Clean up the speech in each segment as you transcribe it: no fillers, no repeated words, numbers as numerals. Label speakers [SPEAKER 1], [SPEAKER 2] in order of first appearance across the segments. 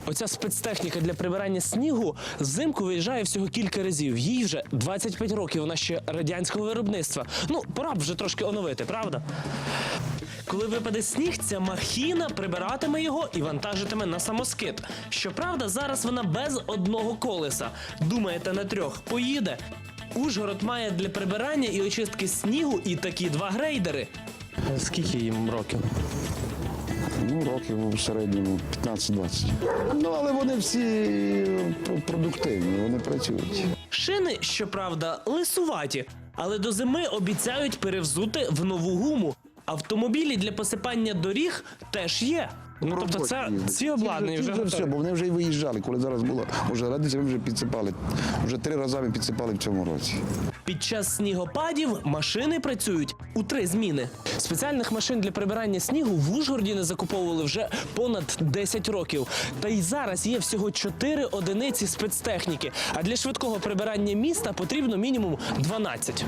[SPEAKER 1] Оця спецтехніка для прибирання снігу взимку виїжджає всього кілька разів. Їй вже 25 років, вона ще радянського виробництва. Ну, пора б вже трошки оновити, правда? Коли випаде сніг, ця махіна прибиратиме його і вантажитиме на самоскид. Щоправда, зараз вона без одного колеса. Думаєте, на 3 поїде? Ужгород має для прибирання і очистки снігу і такі 2 грейдери. Скільки їм років?
[SPEAKER 2] Ну, років у середньому 15-20. Ну, але вони всі продуктивні, вони працюють.
[SPEAKER 1] Шини, щоправда, лисуваті, але до зими обіцяють перевзути в нову гуму. Автомобілі для посипання доріг теж є. Ну, тобто це ці обладнані вже
[SPEAKER 2] все, бо вони вже й виїжджали. Коли зараз було вже радість, ми вже підсипали. Вже 3 рази ми підсипали в цьому році.
[SPEAKER 1] Під час снігопадів машини працюють у 3 зміни. Спеціальних машин для прибирання снігу в Ужгороді не закуповували вже понад 10 років. Та й зараз є всього 4 одиниці спецтехніки. А для швидкого прибирання міста потрібно мінімум 12.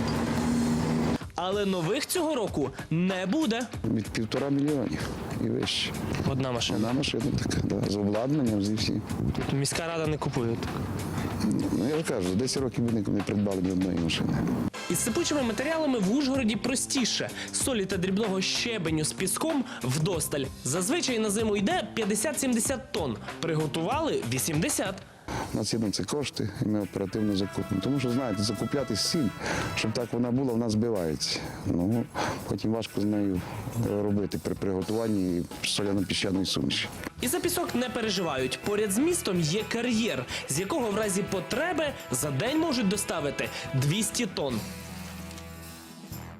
[SPEAKER 1] Але нових цього року не буде.
[SPEAKER 2] Від 1,5 мільйона і вище.
[SPEAKER 1] Одна машина.
[SPEAKER 2] Одна машина така, да, з обладнанням, зі всім.
[SPEAKER 1] Міська рада не купує.
[SPEAKER 2] Ну, я ж кажу, за 10 років ми не придбали ні одної машини.
[SPEAKER 1] Із сипучими матеріалами в Ужгороді простіше. Солі та дрібного щебеню з піском вдосталь. Зазвичай на зиму йде 50-70 тонн. Приготували 80.
[SPEAKER 2] У нас є на це кошти, і ми оперативно закупимо. Тому що, знаєте, закупляти сіль, щоб так вона була, вона збивається. Ну, потім важко з нею робити при приготуванні соляно-піщаної суміші.
[SPEAKER 1] І за пісок не переживають. Поряд з містом є кар'єр, з якого в разі потреби за день можуть доставити 200 тонн.